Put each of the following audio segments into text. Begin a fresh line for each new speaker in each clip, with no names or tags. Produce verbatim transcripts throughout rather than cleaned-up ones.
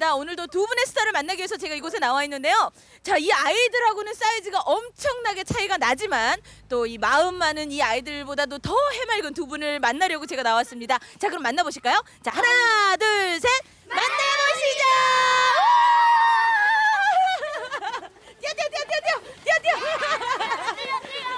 반갑습니다. 오늘도 두 분의 스타를 만나기 위해서 제가 이곳에 나와 있는데요. 자, 이 아이들하고는 사이즈가 엄청나게 차이가 나지만 또 이 마음 많은 이 아이들보다도 더 해맑은 두 분을 만나려고 제가 나왔습니다. 자, 그럼 만나보실까요? 자, 하나, 둘, 셋, 만나보시죠. 뛰어, 뛰어, 뛰어, 뛰어, 뛰어, 뛰어, 뛰어.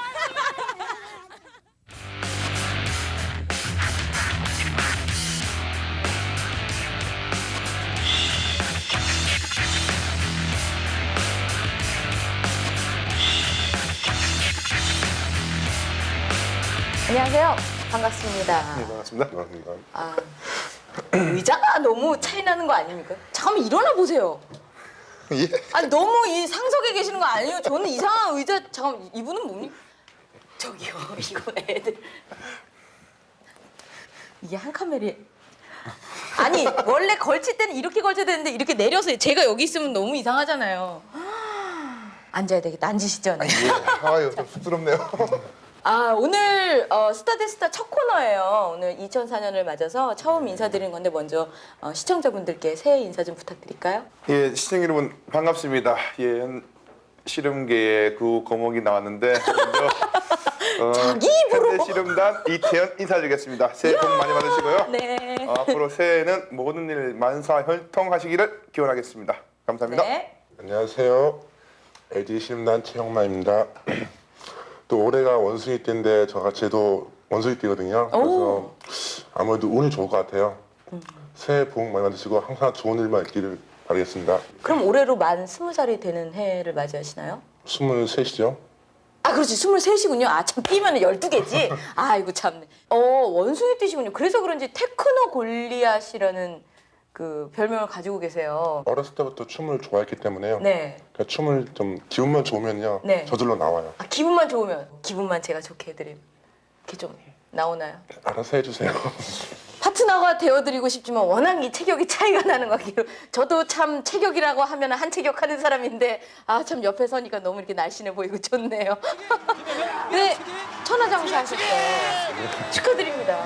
안녕하세요. 반갑습니다.
네, 반갑습니다. 반갑습니다.
아, 의자가 너무 차이 나는 거 아닙니까? 잠깐만 일어나 보세요.
예?
아니 너무 이 상석에 계시는 거 아니에요? 저는 이상한 의자 잠깐 이분은 뭡니까? 저기요 이거 애들 이게 한 카메라에 아니 원래 걸칠 때는 이렇게 걸쳐야 되는데 이렇게 내려서 제가 여기 있으면 너무 이상하잖아요. 앉아야 되겠다. 앉으시죠. 네.
예. 아유, 좀 쑥스럽네요.
아 오늘 어, 스타 대 스타 첫 코너예요. 오늘 이천사 년을 맞아서 처음 인사드리는 건데 먼저 어, 시청자분들께 새해 인사 좀 부탁드릴까요?
예, 시청 여러분 반갑습니다. 예, 씨름계의 그 거목이 나왔는데 먼저 어,
자기 입으로.
현대 씨름단 이태현 인사드리겠습니다. 새해 복 많이 받으시고요.
네.
어, 앞으로 새해에는 모든 일 만사혈통하시기를 기원하겠습니다. 감사합니다.
네.
안녕하세요. 엘지 씨름단 최영만입니다. 또 올해가 원숭이 띠인데 저가 제도 원숭이 띠거든요. 그래서 아무래도 운이 좋을 것 같아요. 음. 새해 복 많이 받으시고 항상 좋은 일만 있기를 바라겠습니다.
그럼 올해로 만 스무 살이 되는 해를 맞이하시나요?
스물셋이죠.
아 그렇지 스물셋이군요. 아 참 띠면 열두 개지. 아이고 참네. 어 원숭이 띠시군요. 그래서 그런지 테크노 골리앗이라는 그 별명을 가지고 계세요.
어렸을 때부터 춤을 좋아했기 때문에요.
네.
그러니까 춤을 좀 기운만 좋으면요.
네.
저절로 나와요.
아, 기분만 좋으면 기분만 제가 좋게 해드리면 이렇게 좀 나오나요?
알아서 해주세요.
파트너가 되어드리고 싶지만 워낙 이 체격이 차이가 나는 것 같기로 저도 참 체격이라고 하면 한 체격 하는 사람인데 아 참 옆에 서니까 너무 이렇게 날씬해 보이고 좋네요. 네, 천하장사 하셨어요. 축하드립니다.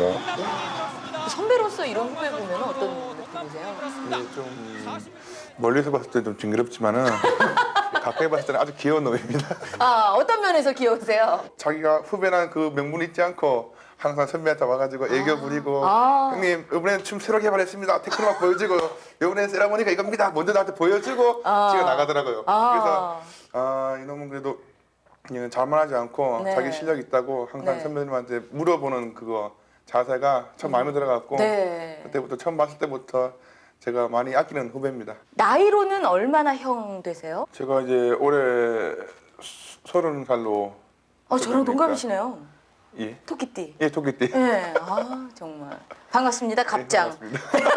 감사합니다.
선배로서 이런 후배 보면 어떤 느낌이세요?
예, 좀 멀리서 봤을 때 좀 징그럽지만은 가까이 봤을 때는 아주 귀여운 놈입니다.
아 어떤 면에서 귀여우세요?
자기가 후배란 그 명분 잊지 않고 항상 선배한테 와가지고 애교 부리고
아.
형님 이번엔 춤 새로 개발했습니다. 테크노 보여주고 이번엔 세라모니가 이겁니다. 먼저 나한테 보여주고
아.
지가 나가더라고요.
아.
그래서 아 이놈은 그래도 그냥 자만하지 않고
네.
자기 실력 있다고 항상
네.
선배님한테 물어보는 그거 자세가 참 마음에 들어갔고
네.
그때부터 처음 봤을 때부터 제가 많이 아끼는 후배입니다.
나이로는 얼마나 형 되세요?
제가 이제 올해 서른 살로
어 저랑 동갑이시네요.
예,
토끼띠.
예 토끼띠.
네, 아 정말 반갑습니다. 갑장.
네, 반갑습니다.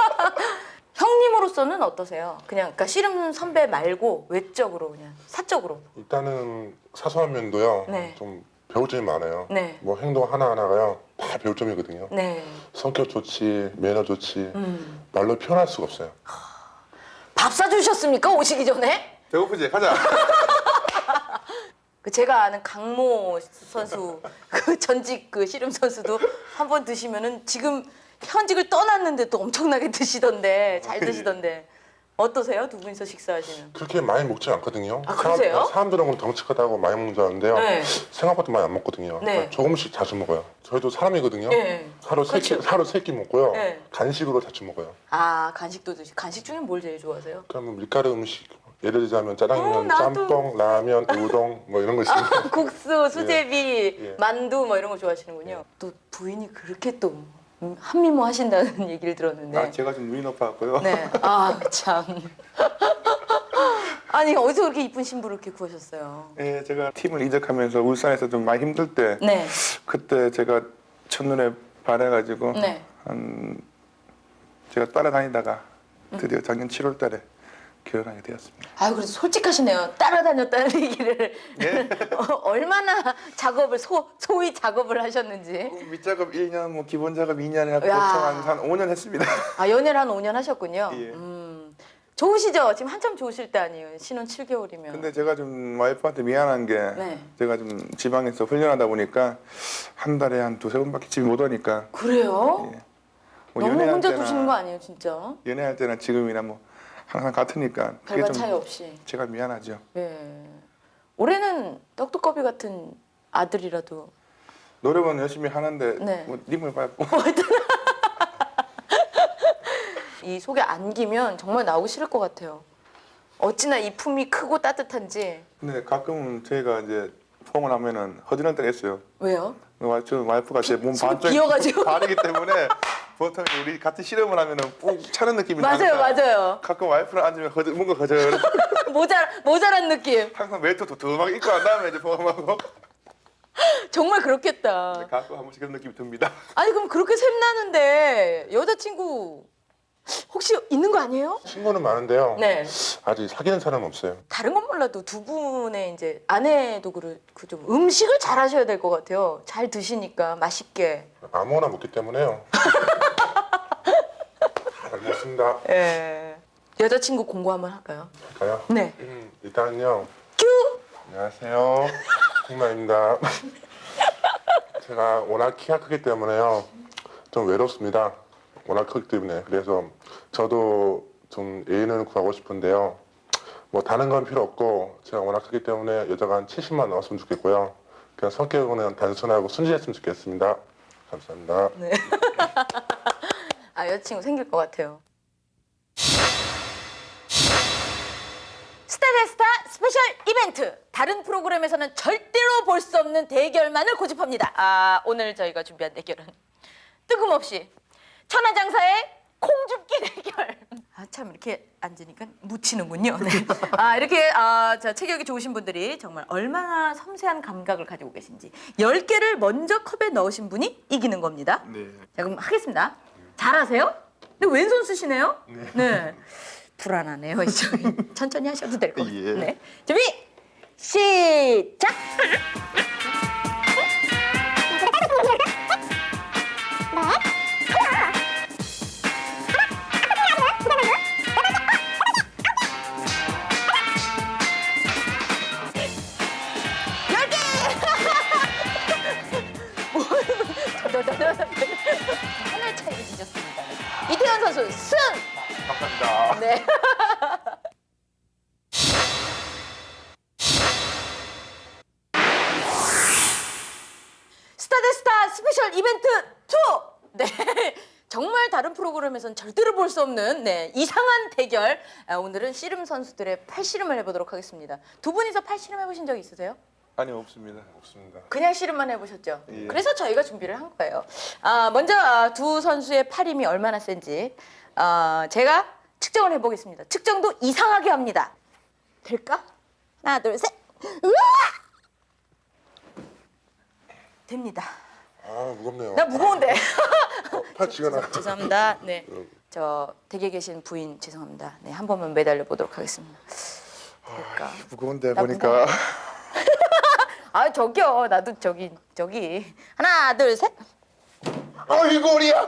형님으로서는 어떠세요? 그냥 그러니까 씨름 선배 말고 외적으로 그냥 사적으로.
일단은 사소한 면도요.
네.
좀 배울 점이 많아요.
네.
뭐 행동 하나하나가요. 다 배울 점이거든요.
네.
성격 좋지, 매너 좋지,
음.
말로 표현할 수가 없어요.
밥 사주셨습니까 오시기 전에?
배고프지? 가자.
그 제가 아는 강모 선수 그 전직 그 씨름 선수도 한 번 드시면은 지금 현직을 떠났는데 또 엄청나게 드시던데 잘 드시던데 어떠세요 두 분이서 식사하시면?
그렇게 많이 먹지 않거든요.
아, 그러세요?
사람, 들은 덩치 크다고 많이 먹는 줄 아는데요.
네.
생각보다 많이 안 먹거든요.
네.
그러니까 조금씩 자주 먹어요. 저희도 사람이거든요.
네.
하루 세 끼,
그렇죠.
하루 세 끼 먹고요.
네.
간식으로 자주 먹어요.
아 간식도 드시. 간식 중에 뭘 제일 좋아하세요?
그러면 밀가루 음식, 예를 들자면 짜장면,
어, 나도.
짬뽕, 라면, 우동 뭐 이런 거 있습니다.
국수, 수제비,
예.
만두 뭐 이런 거 좋아하시는군요. 또 부인이 그렇게 또 음, 한미모 하신다는 얘기를 들었는데.
아, 제가 좀 눈이 높아갖고요.
네. 아 참. 아니 어디서 그렇게 이쁜 신부를 이렇게 구하셨어요?
예, 제가 팀을 이적하면서 울산에서 좀 많이 힘들 때
네.
그때 제가 첫눈에 반해가지고
네.
한 제가 따라다니다가 드디어 작년 칠월 달에 결혼하게 되었습니다.
아유 그래도 솔직하시네요. 따라다녔다는 얘기를
예.
어, 얼마나 작업을 소 소위 작업을 하셨는지.
밑작업 일 년, 뭐 기본 작업 이 년 해갖고
야.
보통 한, 한 오 년 했습니다.
아 연애를 한 오 년 하셨군요.
예.
음, 좋으시죠? 지금 한참 좋으실 때 아니에요? 신혼 칠 개월이면.
근데 제가 좀 와이프한테 미안한 게
네.
제가 좀 지방에서 훈련하다 보니까 한 달에 한 두세 번밖에 집에 못 오니까
그래요?
예. 뭐
너무
연애할
혼자
때나
두시는 거 아니에요, 진짜?
연애할 때나 지금이나 뭐 항상 같으니까 그게
별반
좀
차이 없이.
제가 미안하죠.
예. 올해는 떡두꺼비 같은 아들이라도
노력은 열심히 하는데
네.
뭐 님을 밟고
이 속에 안기면 정말 나오기 싫을 것 같아요. 어찌나 이 품이 크고 따뜻한지.
근데 가끔은 저희가 이제 폼을 하면은 허전할 때가 있어요.
왜요?
와- 저 와이프가 제 몸
속이
반쪽
비어가지고.
반이기 때문에 보통 우리 같은 실험을 하면은 푹 차는 느낌이
맞아요,
나니까
맞아요.
가끔 와이프를 앉으면 허전 뭔가 허전
모자 모자란 느낌.
항상 멜트 도톰하게 입고 난 다음에 이제 폼하고
정말 그렇겠다.
가끔 한 번씩 그런 느낌이 듭니다.
아니 그럼 그렇게 샘나는데 여자친구 혹시 있는 거 아니에요?
친구는 많은데요.
네.
아직 사귀는 사람은 없어요.
다른 건 몰라도 두 분의 이제 아내도 그렇고 좀 음식을 잘 하셔야 될 것 같아요. 잘 드시니까 맛있게.
아무거나 먹기 때문에요. 잘 먹습니다.
예. 여자친구 공고 한번 할까요?
할까요?
네.
음, 일단은요.
큐.
안녕하세요. 홍마입니다. 제가 워낙 키가 크기 때문에요. 좀 외롭습니다. 워낙 크기 때문에. 그래서 저도 좀 애인을 구하고 싶은데요. 뭐 다른 건 필요 없고 제가 워낙 크기 때문에 여자가 한 칠십만 나왔으면 좋겠고요. 그냥 성격은 단순하고 순진했으면 좋겠습니다. 감사합니다.
네. 아 여자친구 생길 것 같아요. 스타데스타 스페셜 이벤트. 다른 프로그램에서는 절대로 볼 수 없는 대결만을 고집합니다. 아 오늘 저희가 준비한 대결은 뜬금없이 천하장사의 콩줍기 대결. 아 참 이렇게 앉으니까 묻히는군요. 네. 아 이렇게 아, 자, 체격이 좋으신 분들이 정말 얼마나 섬세한 감각을 가지고 계신지 열 개를 먼저 컵에 넣으신 분이 이기는 겁니다.
네.
자 그럼 하겠습니다. 잘하세요? 근데 왼손 쓰시네요? 네. 불안하네요. 저기 천천히 하셔도 될 것 같아요.
예.
네. 준비 시작. 열 개. 하나의 차이를 뒤졌습니다. 이태현 선수 승.
감사합니다.
네. 스타데스타 스페셜 이벤트 투! 네. 정말 다른 프로그램에선 절대로 볼 수 없는 네, 이상한 대결. 아, 오늘은 씨름 선수들의 팔씨름을 해보도록 하겠습니다. 두 분이서 팔씨름 해보신 적 있으세요?
아니 없습니다.
없습니다.
그냥 씨름만 해보셨죠?
예.
그래서 저희가 준비를 한 거예요. 아, 먼저 아, 두 선수의 팔 힘이 얼마나 센지 아, 제가 측정을 해보겠습니다. 측정도 이상하게 합니다. 될까? 하나, 둘, 셋. 우와! 됩니다.
아 무겁네요.
나 무거운데.
어, 팔 지가 나.
죄송합니다. 네, 저 댁에 계신 부인 죄송합니다. 네, 한 번만 매달려 보도록 하겠습니다. 될까?
무거운데
나
보니까
아 저기요, 나도 저기 저기 하나, 둘, 셋.
어이구 우리야.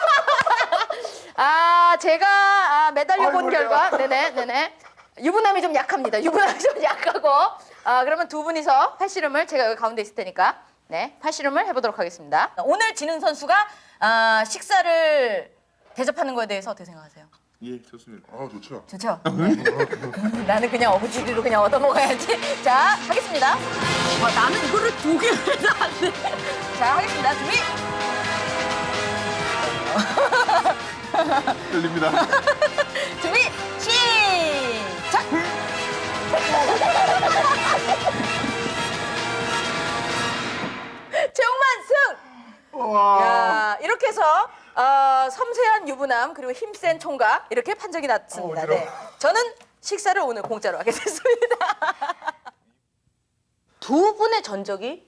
아 제가 아, 매달려 본
아이고야.
결과 네네 네네 유부남이 좀 약합니다. 유부남이 좀 약하고 아 그러면 두 분이서 팔씨름을 제가 여기 가운데 있을 테니까 네 팔씨름을 해보도록 하겠습니다. 오늘 지는 선수가 아, 식사를 대접하는 거에 대해서 어떻게 생각하세요?
예 좋습니다.
아 좋죠.
좋죠? 나는 그냥 어부지리로 그냥 얻어먹어야지. 자 하겠습니다. 와 나는 이거를 두 개를 해도 안 돼. 자 하겠습니다. 준비.
들립니다.
준비 시작. 최홍만 승. 야 이렇게 해서 어, 섬세한 유부남 그리고 힘센 총각 이렇게 판정이 났습니다.
어,
네. 저는 식사를 오늘 공짜로 하게 됐습니다. 두 분의 전적이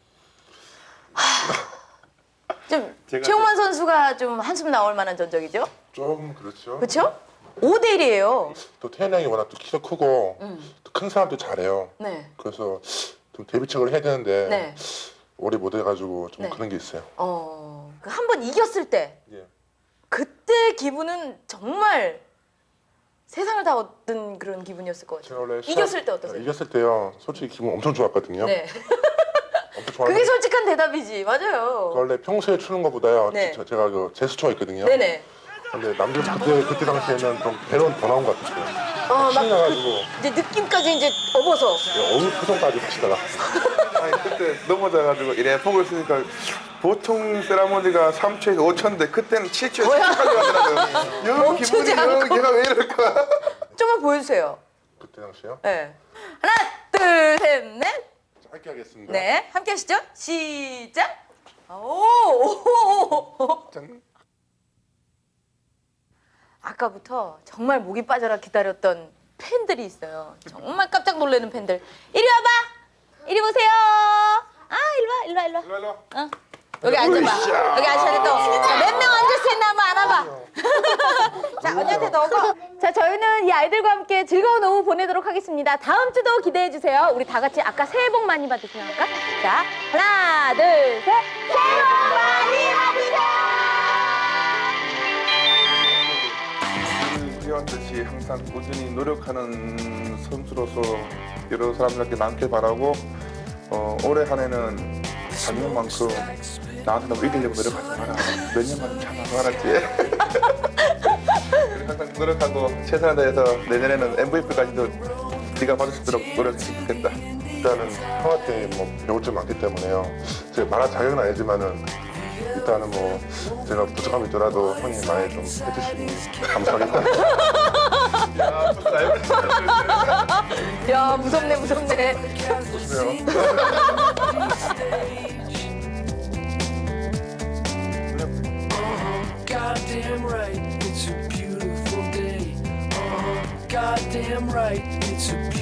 하, 좀
제가
최홍만 선수가 좀 한숨 나올 만한 전적이죠.
좀 그렇죠.
그렇죠? 오 대 일이에요.
또 태현 형이 워낙 또 키가 크고 또 큰 사람도 잘해요.
네.
그래서 좀 데뷔책을 해야 되는데
네.
오래 못 해가지고 좀
네.
그런 게 있어요.
어, 그 한 번 이겼을 때
예.
그때 기분은 정말 세상을 다 얻은 그런 기분이었을 것
제가
같아요.
원래 시합-
이겼을 때 어떠세요?
이겼을 때요. 솔직히 기분 엄청 좋았거든요.
네.
엄청 좋아하는
그게 솔직한 대답이지. 맞아요.
원래 평소에 추는 것보다요.
네.
저, 제가 그 제스처가 있거든요.
네네.
근데 남들 그때 그때 당시에는 좀 배론 더 나온 것 같았어요.
어, 막
신이 나가지고
그, 이제 느낌까지 이제 업어서.
어느 표정까지 하시다가
아니 그때 넘어져가지고 이래 보고 있으니까 보통 세라모니가 삼 초에서 오 초인데 그때는 칠 초에서
뭐야?
칠 초까지 가더라고요. 영
멈추지
기분이 영
않고.
얘가 왜 이럴까?
좀만 보여주세요.
그때 당시요.
네. 하나, 둘, 셋, 넷.
짧게 하겠습니다.
네. 함께 하시죠. 시작. 오! 오!
짠.
아까부터 정말 목이 빠져라 기다렸던 팬들이 있어요. 정말 깜짝 놀라는 팬들. 이리 와봐. 이리 보세요. 아, 이리 와, 이리 와, 이리 와.
일로 일로.
어. 여기 앉아봐. 여기 앉아야 돼, 또. 몇 명 앉을 수 있나 한번 안아봐. 자, 언니한테 넣고. 자, 저희는 이 아이들과 함께 즐거운 오후 보내도록 하겠습니다. 다음 주도 기대해 주세요. 우리 다 같이 아까 새해 복 많이 받으세요. 할까? 자, 하나, 둘, 셋. 새해 복 많이 받으세요.
뛰어왔듯이 항상 꾸준히 노력하는 선수로서 여러 사람들께 남길 바라고 어, 올해 한 해는 작년만큼 나한테 너무 이기려고 노력하지 마라. 몇 년만 참아서 알았지? 항상 노력하고 최선을 다해서 내년에는 엠브이피까지도 네가 받을 수 있도록 노력했으면 좋겠다.
일단은 형한테 뭐 배울 점 많기 때문에요. 제가 말할 자격은 아니지만은 일단은 뭐 제가 부족함이 있더라도 형이 많이 좀 해주시면 감사하겠다.
야, 무슨 알고 있어?
야, 무섭네, 무섭네.
조심해요.
Goddamn right, it's a beautiful day. Oh, goddamn right, it's a beautiful